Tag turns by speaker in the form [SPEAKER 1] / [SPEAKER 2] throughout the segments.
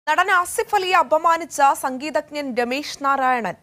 [SPEAKER 1] നടൻ ആസിഫ് അലിയെ അപമാനിച്ച സംഗീതജ്ഞൻ രമേശ് നാരായണൻ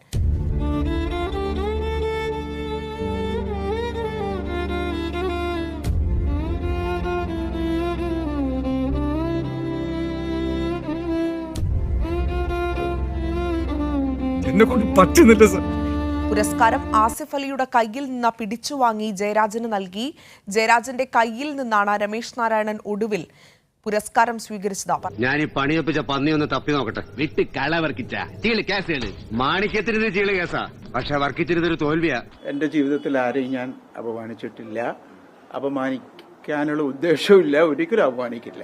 [SPEAKER 1] പുരസ്കാരം ആസിഫ് അലിയുടെ കയ്യിൽ നിന്ന് പിടിച്ചുവാങ്ങി ജയരാജന് നൽകി. ജയരാജന്റെ കയ്യിൽ നിന്നാണ് രമേശ് നാരായണൻ ഒടുവിൽ പുരസ്കാരം സ്വീകരിച്ചത്.
[SPEAKER 2] ഞാൻ ഈ പണിയൊപ്പിച്ച പന്നി ഒന്ന് തപ്പി നോക്കട്ടെ. വിട്ട് കള വർക്കിച്ച ചീള് കേസാണ്. മാണിക്യത്തിന് ചീള് കേസാ, പക്ഷെ വർക്കിച്ചിരുന്നൊരു തോൽവിയാ.
[SPEAKER 3] എന്റെ ജീവിതത്തിൽ ആരെയും ഞാൻ അപമാനിച്ചിട്ടില്ല, അപമാനിക്കാനുള്ള ഉദ്ദേശമില്ല, ഒരിക്കലും അപമാനിക്കില്ല.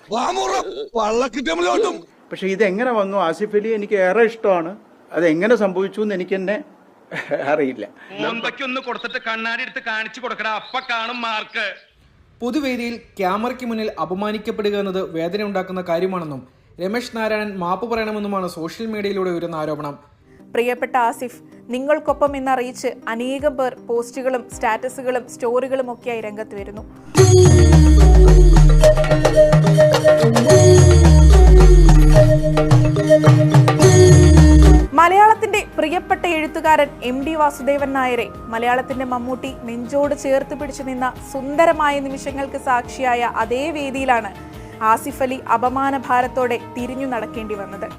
[SPEAKER 3] പക്ഷെ ഇതെങ്ങനെ വന്നു ആസിഫ് അലി എനിക്ക് ഏറെ ഇഷ്ടമാണ്. അതെങ്ങനെ സംഭവിച്ചു എന്ന് എനിക്ക് തന്നെ അറിയില്ല.
[SPEAKER 2] കൊടുത്തിട്ട് കണ്ണാടി എടുത്ത് കാണിച്ചു കൊടുക്കണ അപ്പ കാണും മാർക്ക്.
[SPEAKER 4] പൊതുവേദിയിൽ ക്യാമറയ്ക്ക് മുന്നിൽ അപമാനിക്കപ്പെടുക എന്നത് വേദന ഉണ്ടാക്കുന്ന കാര്യമാണെന്നും രമേശ് നാരായണൻ മാപ്പ് പറയണമെന്നുമാണ് സോഷ്യൽ മീഡിയയിലൂടെ ഉയരുന്ന ആരോപണം.
[SPEAKER 5] പ്രിയപ്പെട്ട ആസിഫ്, നിങ്ങൾക്കൊപ്പം എന്നറിയിച്ച് അനേകം പേർ പോസ്റ്റുകളും സ്റ്റാറ്റസുകളും സ്റ്റോറികളും ഒക്കെയായി രംഗത്ത് വരുന്നു. മലയാളത്തിന്റെ പ്രിയപ്പെട്ട എഴുത്തുകാരൻ MD വാസുദേവൻ നായരെ മലയാളത്തിന്റെ മമ്മൂട്ടി നെഞ്ചോട് ചേർത്ത് പിടിച്ചു നിന്ന സുന്ദരമായ നിമിഷങ്ങൾക്ക് സാക്ഷിയായ അതേ വേദിയിലാണ് ആസിഫ് അലി അപമാന ഭാരത്തോടെ തിരിഞ്ഞു നടക്കേണ്ടി വന്നത്.